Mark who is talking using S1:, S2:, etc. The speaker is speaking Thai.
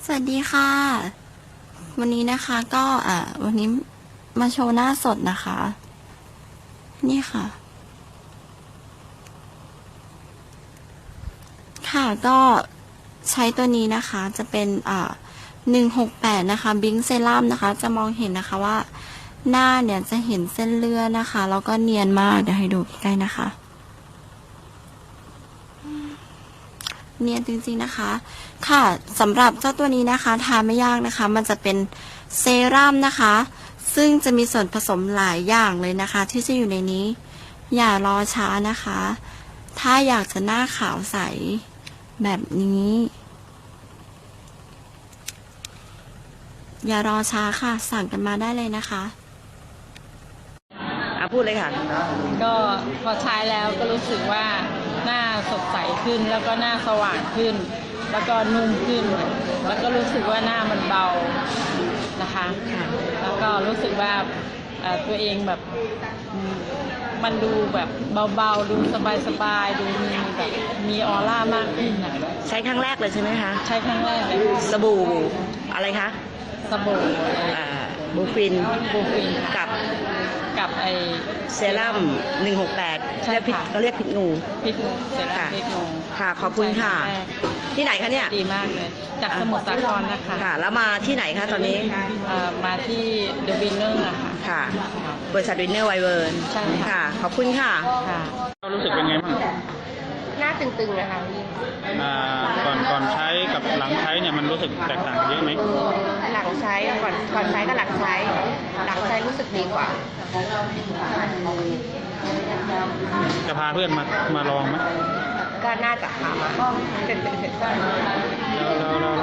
S1: สวัสดีค่ะวันนี้นะคะก็วันนี้มาโชว์หน้าสดนะคะ นี่ค่ะค่ะก็ใช้ตัวนี้นะคะจะเป็น168นะคะบิงเซรั่มนะคะจะมองเห็นนะคะว่าหน้าเนี่ยจะเห็นเส้นเลือดนะคะแล้วก็เนียนมากเดี๋ยวให้ดูใกล้ๆนะคะเนียนจริงๆนะคะค่ะสำหรับเจ้าตัวนี้นะคะทานไม่ยากนะคะมันจะเป็นเซรั่มนะคะซึ่งจะมีส่วนผสมหลายอย่างเลยนะคะที่จะอยู่ในนี้อย่ารอช้านะคะถ้าอยากจะหน้าขาวใสแบบนี้อย่ารอช้าค่ะสั่งกันมาได้เลยนะคะ
S2: พูดเลยค่ะ
S3: ก็พอใช้แล้วก็รู้สึกว่าหน้าสดใสขึ้นแล้วก็หน้าสว่างขึ้นแล้วก็นุ่มขึ้นแล้วก็รู้สึกว่าหน้ามันเบานะคะแล้วก็รู้สึกว่าตัวเองแบบมันดูแบบเบาๆดูสบายๆดูมีแบบมีออร่ามากขึ้นนะ
S2: ใช้ครั้งแรกเลยใช่ไหมคะ
S3: ใช้ครั้งแรกเลย
S2: สบู่อะไรคะ
S3: สบู่
S2: บูฟิน
S3: กับไอ
S2: เซรั่ม168
S3: ใช่ค่ะ
S2: เขาเรียกพิษงู
S3: เซรั่มพิษงู
S2: ค่ะขอบคุณค่ะที่ไหนคะเนี่ย
S3: ดีมากเลยจากสมุทรสาครนะคะ
S2: ค่ะแล้วมาที่ไหนคะตอนนี้
S3: มาที่เดอะวินเนอร์นะคะ
S2: ค่ะบริษัทวินเนอร์ไวเวิร์น
S3: ใช่ค่ะ
S2: ขอบคุณค่ะ
S4: รู้สึกเป็นไงบ้าง
S3: หน้าตึงๆนะคะ
S4: ก่อนใช้กับหลังใช้เนี่ยมันรู้สึกแตกต่างเยอะไหม
S3: หลังใช้ก่อนใช้กับหลังใช้รู้สึกดีกว่า
S4: จะพาเพื่อนมาลองไหม
S3: ก็น่าจะพามา
S4: แล้ว